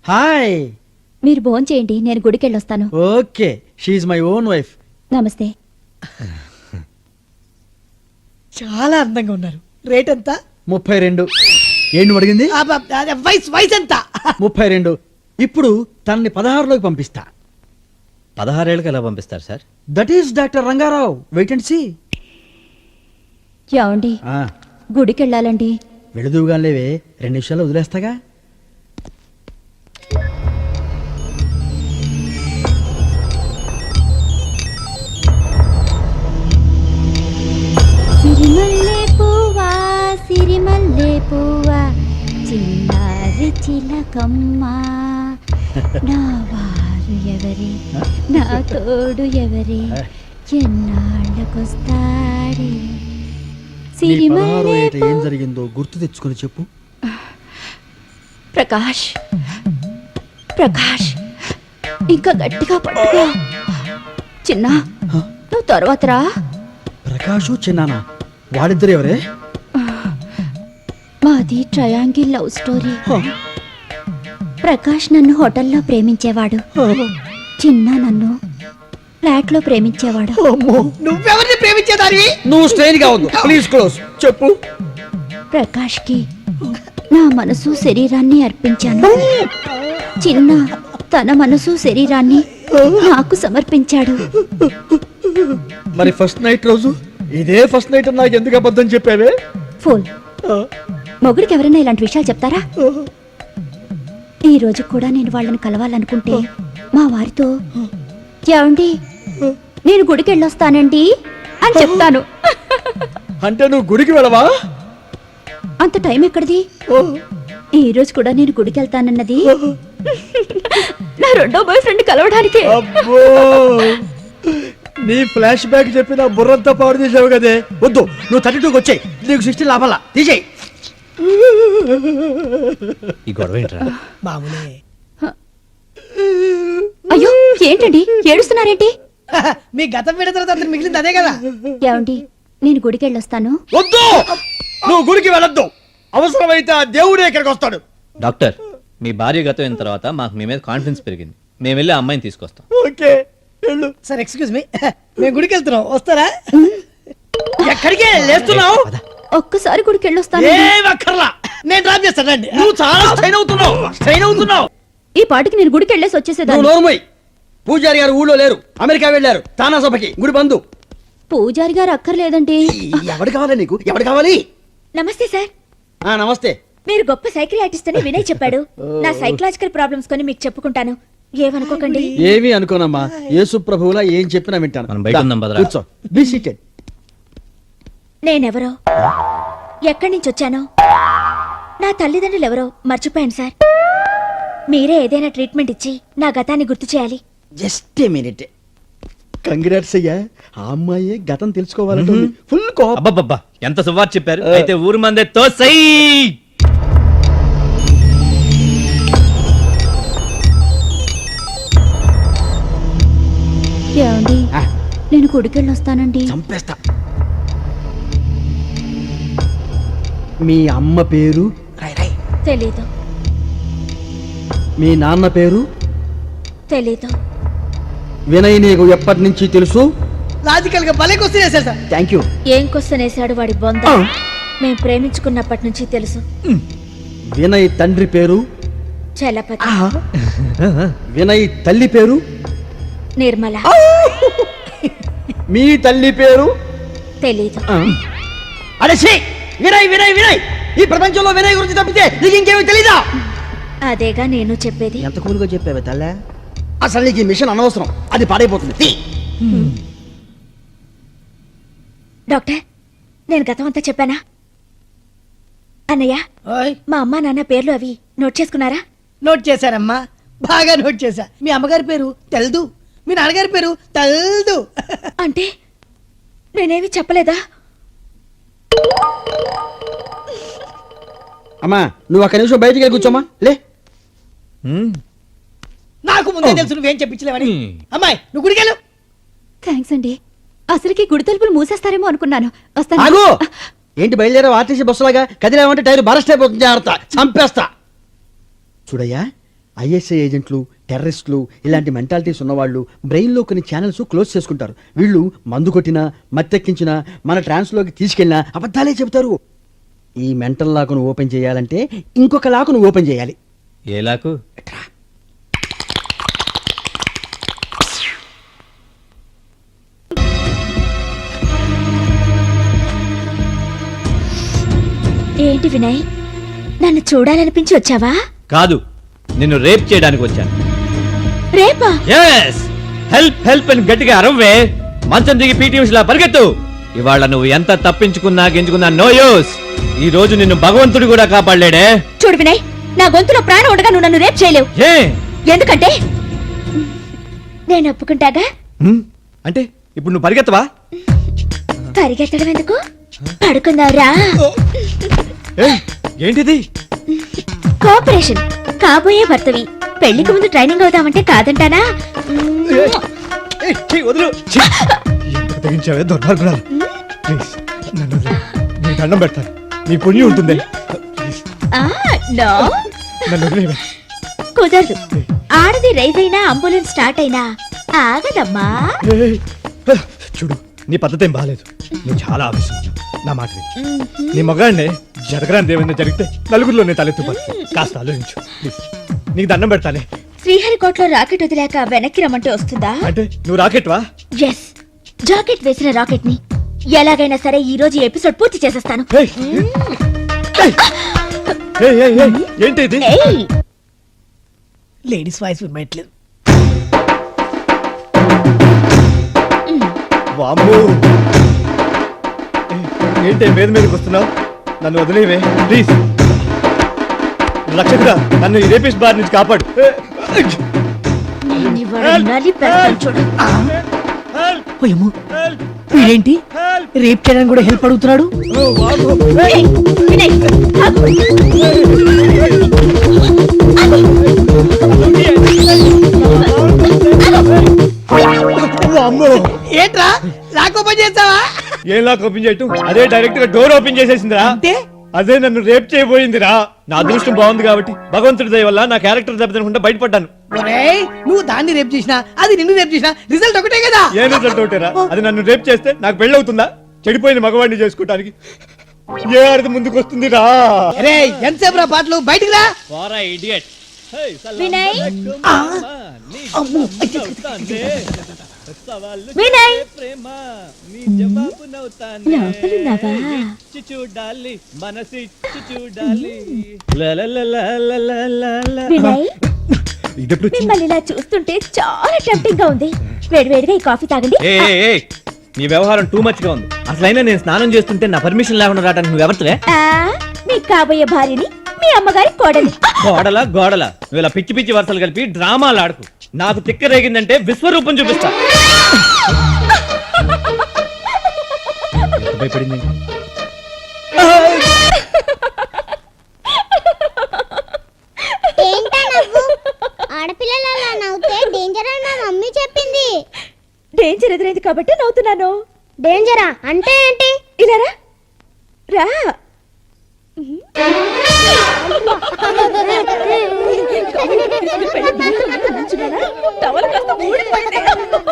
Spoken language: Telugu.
హాయ్. మీరు భోజనం చేయండి, నేను గుడికి వెళ్ళొస్తాను. ఓకే, షీఈ్ మై ఓన్ వైఫ్. నమస్తే. చాలా అందంగా ఉన్నారు. రేట్ ఎంత? 32. ఏంటి అడిగింది? వయసు ఎంత? 32. ఇప్పుడు తనని 16లోకి పంపిస్తా. 16 ఏళ్ళకి ఎలా పంపిస్తారు sir? That is doctor Rangarao. Wait and see. ఏమండి, గుడికి వెళ్ళాలండి. వెళుదువుగా లేవే, 2 నిమిషాలు వదిలేస్తాగా. సిరిమల్లె పువ్వా, సిరిమల్లె పువ్వా, చిన్నారి చిలకమ్మ, నా వారు ఎవరే, నా తోడు ఎవరే, ఎన్నాళ్ళకొస్తాడే. నీ 16వ ఏట ఏం జరిగిందో గుర్తు తెచ్చుకొని చెప్పు. ప్రకాష్, ప్రకాష్, ఇంకా గట్టిగా పట్టుకో. చిన్న, నువ్వు తర్వాత రా. ప్రకాషు చిన్నానా, వాళ్ళిద్దరు ఎవరే? మాది ట్రయాంగిల్ లవ్ స్టోరీ. ప్రకాష్ నన్ను హోటల్లో ప్రేమించేవాడు, చిన్న నన్ను ఫ్లాట్ లో ప్రేమించేవాడు. నువ్వెవరిని ప్రేమించేదానివి? నువ్వు స్ట్రెయిన్ గా ఉంది. Please close. చెప్పు. ప్రకాష్ కి నా మనసు శరీరాన్ని అర్పించాను. చిన్న తన మనసు శరీరాన్ని నాకు సమర్పించాడు. మరి ఫస్ట్ నైట్ రోజు ఇదే ఫస్ట్ నైట్ నాకు ఎందుకు అబద్ధం చెప్పావే? ఫుల్ మొగుడికి ఎవరైనా ఇలాంటి విషయాలు చెప్తారా? ఈ రోజు కూడా నేను వాళ్ళని కలవాలనుకుంటే మా వారితో, ఏమండి నేను గుడికి వెళ్ళొస్తానండి అని చెప్తాను. అంటే నువ్వు గుడికి వెళ్ళవా? అంత టైం ఎక్కడిది? ఈ రోజు కూడా నేను గుడికి వెళ్తానన్నది నా రెండో బాయ్ ఫ్రెండ్ కలవడానికి. అబ్బో, నీ ఫ్లాష్ బ్యాక్ చెప్పి నా బుర్రంతా పాడు చేసావు కదే. వద్దు, నువ్వు 32కి వచ్చాయి. నీకు 16 లాభాలా తీసేయి. ఈ గొడవ ఏంట్రా? మామూలే. అయ్యో ఏంటండి ఏడుస్తున్నారేంటి? మీ గతం విడతల తర్వాత మిగిలింది అదే కదా. ఏమండి నేను గుడికి వెళ్ళొస్తాను. వద్దు, నువ్వు గుడికి వెళ్ళొద్దు. అవసరమైతే ఆ దేవుడే ఇక్కడికి వస్తాడు. డాక్టర్, మీ భార్య గతం అయిన తర్వాత మాకు మీ మీద కాన్ఫిడెన్స్ పెరిగింది. మేము వెళ్ళి ఆ అమ్మాయిని తీసుకొస్తాం. ఓకే, వెళ్ళు. సార్ ఎక్స్క్యూజ్ మీ, మేము గుడికి వెళ్తున్నాం, వస్తారా? ఎక్కడికి లేస్తున్నావు? ఒక్కసారి గుడికి వెళ్ళొస్తాను. ఏం అక్కర్లా, నేను డ్రాప్ చేస్తానండి. నువ్వు చాలా స్ట్రెయిన్ అవుతున్నావు. ఈ పాటికి నేను గుడికి వెళ్ళేసి నువ్వు వచ్చేసేదాన్ని. నోరుమోయ్. పూజారి గారు ఊళ్ళో లేరు, అమెరికా వెళ్ళారు తానా సభకి. గుడి బంధు. పూజారి గారు అక్కర్లేదండి. ఎవడు కావాలి నీకు? ఎవడు కావాలి? నమస్తే సార్. నమస్తే. మీరు గొప్ప సైకిల్ ఆర్టిస్ట్ అని వినయ్ చెప్పాడు. నా సైకలాజికల్ ప్రాబ్లమ్స్ కొని మీకు చెప్పుకుంటాను, ఏమనుకోకండి. ఏమీ అనుకోనమ్మా, యేసు ప్రభువులా ఏం చెప్పినా వింటాను. మనం బయట ఉందాం భద్రా. కూర్చో, బీ సీటెడ్. నేనెవరో, ఎక్కడి నుంచి వచ్చానో, నా తల్లిదండ్రులు ఎవరో మర్చిపోయాను సార్. మీరే ఏదైనా ట్రీట్మెంట్ ఇచ్చి నా గతాన్ని గుర్తు చేయాలి. Just a minute. కంగ్రాట్స్ అయ్యా, ఆ అమ్మాయి గతం తెలుసుకోవాలంటే ఫుల్ కోపం. అబ్బబ్బబ్బా, ఎంత సువార్ చెప్పారు. అయితే ఊరు మందే తోసై. ఏమండి నేను గుడికి వెళ్ళొస్తానండి. చంపేస్తా. మీ అమ్మ పేరు? తెలీదు. మీ నాన్న పేరు? తెలీదు. వినయ్ నీకు ఎప్పటి నుంచి తెలుసు? లాజికల్ గా భలే క్వశ్చన్ వేశారు సార్. Thank you. ఏం క్వశ్చన్ వేశాడు వాడి బొంద. మేం ప్రేమించుకున్నప్పటి నుంచి తెలుసు. వినయ్ తండ్రి పేరు? చలపతి. వినయ్ తల్లి పేరు? నిర్మల. మీ తల్లి పేరు? తెలీదు. అరే ఛీ! వినయ్ వినయ్ వినయ్, ఈ ప్రపంచంలో వినయ్ గురించి తప్పితే నీకు ఇంకేమీ తెలీదా? అదేగా నేను చెప్పేది. ఎంత కూలుగా చెప్పావే తల్లే. అసలు నీకు ఈ మిషన్ అనవసరం, అది పాడైపోతుంది. డాక్టర్, నేను గతం అంతా చెప్పానా? అన్నయ్య, మా అమ్మా నాన్న పేర్లు అవి నోట్ చేసుకున్నారా? నోట్ చేశారమ్మా, బాగా నోట్ చేశా. మీ అమ్మగారి పేరు తెల్దు, మీ నాన్నగారి పేరు తెల్దు. అంటే నేనేమి చెప్పలేదా? అమ్మా, నువ్వు ఒక్క నిమిషం బయటికి వెళ్ళి కూర్చోమ్మా. లే. నాకు ముందే తెలుసు నువ్వేం చెప్పించలేవని. అమ్మాయి నువ్వు గుడికెళ్ళు. థ్యాంక్స్ అండి. అసలుకి గుడి తలుపులు మూసేస్తారేమో అనుకున్నాను. వస్తాను. ఆగు. ఏంటి బయలుదేరా? ఆర్టీసీ బస్సులాగా కదిలేమంటే టైర్ బరస్ట్ అయిపోతుంది. జాగ్రత్త, చంపేస్తా. చూడయ్యా, ఐఎస్ఐ ఏజెంట్లు, టెర్రరిస్టులు ఇలాంటి మెంటాలిటీస్ ఉన్నవాళ్ళు బ్రెయిన్లో కొన్ని ఛానల్స్ క్లోజ్ చేసుకుంటారు. వీళ్ళు మందు కొట్టినా మత్తెక్కించినా మన ట్రాన్స్లోకి తీసుకెళ్ళినా అబద్ధాలే చెబుతారు. ఈ మెంటల్ లాకును ఓపెన్ చేయాలంటే ఇంకొక లాకును ఓపెన్ చేయాలి. ఏ లాకు? ఏంటి వినయ్, నన్ను చూడాలనిపించి వచ్చావా? కాదు, నిన్ను రేప్ చేయడానికి వచ్చాను. రేపా? ఎస్, హెల్ప్ హెల్ప్ అని గట్టిగా అరవే. మంచం దిగి పీటీ ఉషలా పరిగెత్తు. ఇవాళ నువ్వు ఎంత తప్పించుకున్నా గెంచుకున్నా నో యూస్. ఈ రోజు నిన్ను భగవంతుడు కూడా కాపాడలేడే. చూడు వినయ్, నా గొంతులో ప్రాణం ఉండగా నువ్వు నన్ను రేప్ చేయలేవు. ఏ? ఎందుకంటే నేను ఒప్పుకుంటాగా. అంటే ఇప్పుడు నువ్వు పరిగెత్తవా? పరిగెత్తడం ఎందుకు, పడుకుందావురా. ఏయ్, ఏంటిది? కోఆపరేషన్. కాబోయే భర్తవి, పెళ్లికి ముందు ట్రైనింగ్ అవుదామంటే కాదంటానా? ఏయ్, ఛీ, వదులు. ఛీ, ఎంత తెగించావే దుర్మార్గురాలు. ప్లీజ్ నన్ను వదిలేయ్. నీ దండం పెడతాను, నీ పుణ్యం ఉంటుంది. ప్లీజ్ ఆ, నో, నన్ను వదిలేయ్. కుదరదు. ఆడది రైజ్ అయినా అంబులెన్స్ స్టార్ట్ అయినా ఆగదమ్మా. ఏయ్, చూడు, నీ పద్ధతి ఏం బాగాలేదు. నువ్వు చాలా ఆవేశం. నా మాట విను. నీ మగాడినే జరగరాని ఏమైనా జరిగితే నలుగురిలో నేను తలెత్తుపడుతుంది. కాస్త ఆలోచించు ప్లీజ్. నీకు దండం పెడతానే. శ్రీహరికోటలో రాకెట్ వదిలాక వెనక్కి రమ్మంటే వస్తుందా? అంటే నువ్వు రాకెట్వా? ఎస్, జాకెట్ వేసిన రాకెట్ ని ఎలాగైనా సరే ఈ రోజు ఎపిసోడ్ పూర్తి చేసేస్తాను. ఏయ్, ఏయ్, ఏయ్, ఏయ్, ఏయ్, ఏంటి ఇది? ఏయ్, లేడీస్ వాయిస్ వినట్లేదు. వామ్మో. ఏంటి మీద మీదకి వస్తున్నావు? నన్ను వదిలేవే ప్లీజ్. రక్షకుడా, నన్ను ఈ రేపిస్ట్ బార్ నుంచి కాపాడు. నేను ఇవాళ నలిపేస్తాను చూడు. ఓయమ్మో, వీడేంటి రేప్ చేయడానికి కూడా హెల్ప్ అడుగుతున్నాడు? ఏయ్, వినయ్, ఆగు. వామ్మో. ఏంట్రా లాక్ ఓపెన్ చేస్తావా? ఏం లాక్ ఓపెన్ చేయటం? అదే డైరెక్ట్ గా డోర్ ఓపెన్ చేసేసిందిరా. అంటే అదే నన్ను రేప్ చేయబోయిందిరా. నా అదృష్టం బాగుంది కాబట్టి భగవంతుడి దయ వల్ల నా క్యారెక్టర్ దెబ్బతినకుండా బయటపడ్డాను. ఒరేయ్, నువ్వు దాన్ని రేప్ చేసినా అది నిన్ను రేప్ చేసినా రిజల్ట్ ఒకటే కదా. ఏం రిజల్ట్ ఒకటేరా? అది నన్ను రేప్ చేస్తే నాకు పెళ్ళి అవుతుందా? చెడిపోయిన మగవాడిని చేసుకోవటానికి ఏ అర్థం ముందుకు వస్తుంది రా? అరే ఎంతసేపు రా పాటలు, బయటికి రా. వినయ్, వినయ్, లోపలున్నావా? వినయ్, ఇదెప్పుడు వచ్చింది? మిమ్మల్ని ఇలా చూస్తుంటే చాలా టెంప్టింగ్ గా ఉంది. వేడివేడిగా ఈ కాఫీ తాగండి. నీ వ్యవహారం టూ మచ్ గా ఉంది. అసలైనా నేను స్నానం చేస్తుంటే నా పర్మిషన్ లేకుండా రావడానికి నువ్వు ఎవరితోనే? ఆ, మీ కాబోయే భార్యని మీ అమ్మగారి కోడలి. గోడల గోడల నువ్వు ఇలా పిచ్చి పిచ్చి వరుసలు కలిపి డ్రామాలు ఆడుకు. నాకు తిక్క రేగిందంటే విశ్వరూపం చూపిస్తా. ఎంత భయపడింది? ఏంటా నవ్వు? ఆడపిల్లలు అలా నవ్వుతే డేంజర్ అని మా మమ్మీ చెప్పింది. డేంజర్ ఎదురైంది కాబట్టి నవ్వుతున్నాను. డేంజరా అంటే ఏంటి? ఇలా రా, రా. టవల్ కాస్త ఊడిపోయింది.